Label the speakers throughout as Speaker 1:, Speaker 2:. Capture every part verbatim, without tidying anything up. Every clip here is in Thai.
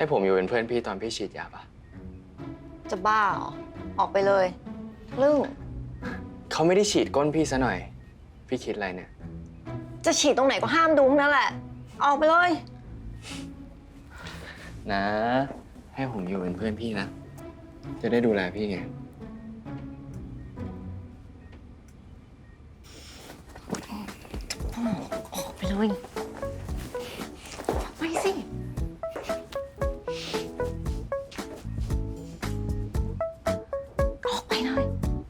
Speaker 1: ให้ผมอยู่เป็นเพื่อนพี่ตอนพี่ฉีดยาปะ
Speaker 2: จะบ้าเหรอออกไปเลยลึ่ง
Speaker 1: เขาไม่ได้ฉีดก้นพี่ซะหน่อยพี่คิดอะไรเนี่ย
Speaker 2: จะฉีดตรงไหนก็ห้ามดูนั่นแหละออกไปเลย
Speaker 1: นะให้ผมอยู่เป็นเพื่อนพี่นะจะได้ดูแลพี่ไง
Speaker 2: ออกไปเลยไปสิออกไปเลย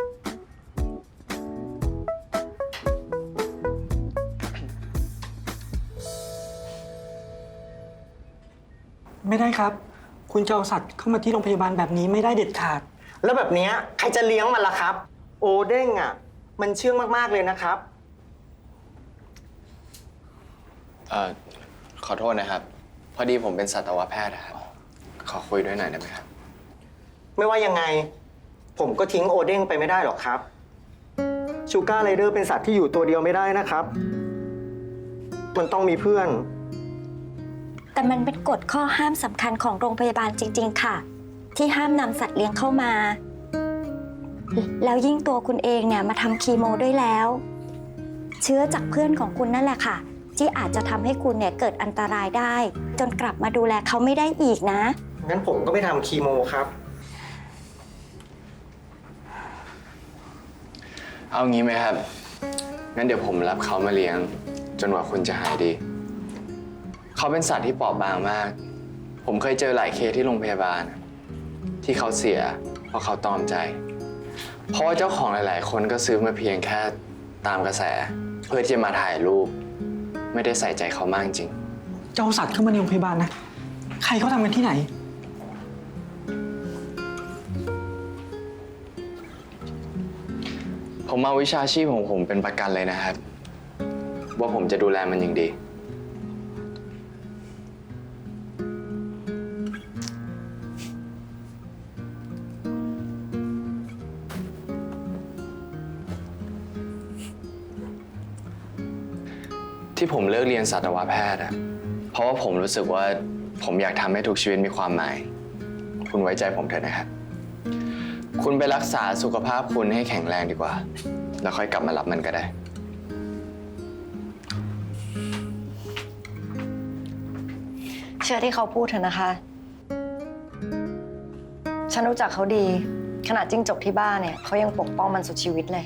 Speaker 3: ไม่ได้ครับคุณจะเอาสัตว์เข้ามาที่โรงพยาบาลแบบนี้ไม่ได้เด็ดขาด
Speaker 4: แล้วแบบนี้ใครจะเลี้ยงมันล่ะครับโอเด้งอ่ะมันเชื่องมากๆเลยนะครับ
Speaker 1: เอ่อขอโทษนะครับพอดีผมเป็นสัตวแพทย์ครับขอคุยด้วยหน่อยได้ไหมครับ
Speaker 4: ไม่ว่ายังไงผมก็ทิ้งโอเด้งไปไม่ได้หรอกครับชูการ์ไรเดอร์เป็นสัตว์ที่อยู่ตัวเดียวไม่ได้นะครับมันต้องมีเพื่อน
Speaker 5: แต่มันเป็นกฎข้อห้ามสำคัญของโรงพยาบาลจริงๆค่ะที่ห้ามนำสัตว์เลี้ยงเข้ามาแล้วยิ่งตัวคุณเองเนี่ยมาทำคีโมด้วยแล้วเชื้อจากเพื่อนของคุณนั่นแหละค่ะที่อาจจะทำให้คุณเนี่ยเกิดอันตรายได้จนกลับมาดูแลเขาไม่ได้อีกนะ
Speaker 4: งั้นผมก็ไม่ทำคีโมครับ
Speaker 1: เอางี้ไหมครับงั้นเดี๋ยวผมรับเขามาเลี้ยงจนกว่าคุณจะหายดีเขาเป็นสัตว์ที่เปราะบางมากผมเคยเจอหลายเคสที่โรงพยาบาลที่เขาเสียเพราะเขาตอมใจเพราะว่าเจ้าของหลายๆคนก็ซื้อมาเพียงแค่ตามกระแสเพื่อที่จะมาถ่ายรูปไม่ได้ใส่ใจเขามากจริง
Speaker 3: จะเอาสัตว์เข้ามาในโรงพยาบาลนะใครเขาทำกันที่ไหน
Speaker 1: ผมเอาวิชาชีพของผมเป็นประกันเลยนะครับว่าผมจะดูแลมันอย่างดีที่ผมเลิกเรียนสัตวแพทย์อะเพราะว่าผมรู้สึกว่าผมอยากทำให้ทุกชีวิตมีความหมายคุณไว้ใจผมเถอะนะครับคุณไปรักษาสุขภาพคุณให้แข็งแรงดีกว่าแล้วค่อยกลับมารับมันก็ได้
Speaker 2: เชื่อที่เขาพูดเถอะนะคะฉันรู้จักเขาดีขนาดจิ้งจกที่บ้านเนี่ยเขายังปกป้องมันสุดชีวิตเลย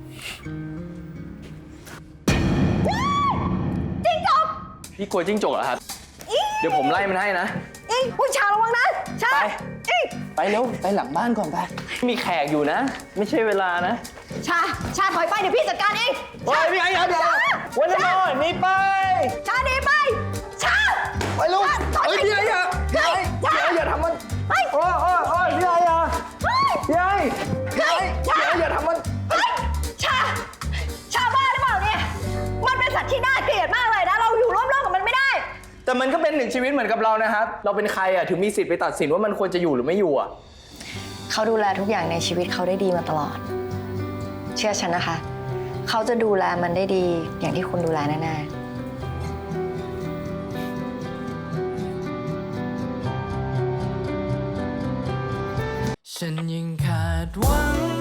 Speaker 1: พี่กลัวจิ้งจกเหรอครับเดี๋ยวผมไล่มันให้นะ
Speaker 2: อีผู้ชาระวังนะชา
Speaker 1: ไปไปเร็วไปหลังบ้านก่อนไปมีแขกอยู่นะไม่ใช่เวลานะ
Speaker 2: ชาชาถอยไปเดี๋ยวพี่จัดการเอง
Speaker 1: โอ้ยพี่ไอ้เดี๋ยววันนี้นอนนี่ไป
Speaker 2: ชาหนีไปชา
Speaker 1: ไปลูกเฮ้ยพี่ไอ้อย่าพี่ไอ้พี่ไอ้อย่าทำมันโอ้ยโอ้ยโอ้ยพี่ไอ้อย่าพี่ไอ้พี่ไอ้พี่ไอ้อย่าทำมัน
Speaker 2: ชาชาบ้าหรือเปล่าเนี่ยมันเป็นสัตว์ที่น่าเกลียดมากเลยนะเราอยู่ร่วมโลกกับมันไม่ได้
Speaker 1: แต่มันก็เป็นหนึ่งชีวิตเหมือนกับเรานะครับเราเป็นใครอ่ะถึงมีสิทธิ์ไปตัดสินว่ามันควรจะอยู่หรือไม่อยู่อ่ะ
Speaker 2: เขาดูแลทุกอย่างในชีวิตเขาได้ดีมาตลอดเชื่อฉันนะคะเขาจะดูแลมันได้ดีอย่างที่คุณดูแลแน่
Speaker 6: ๆฉันยังขาดหวัง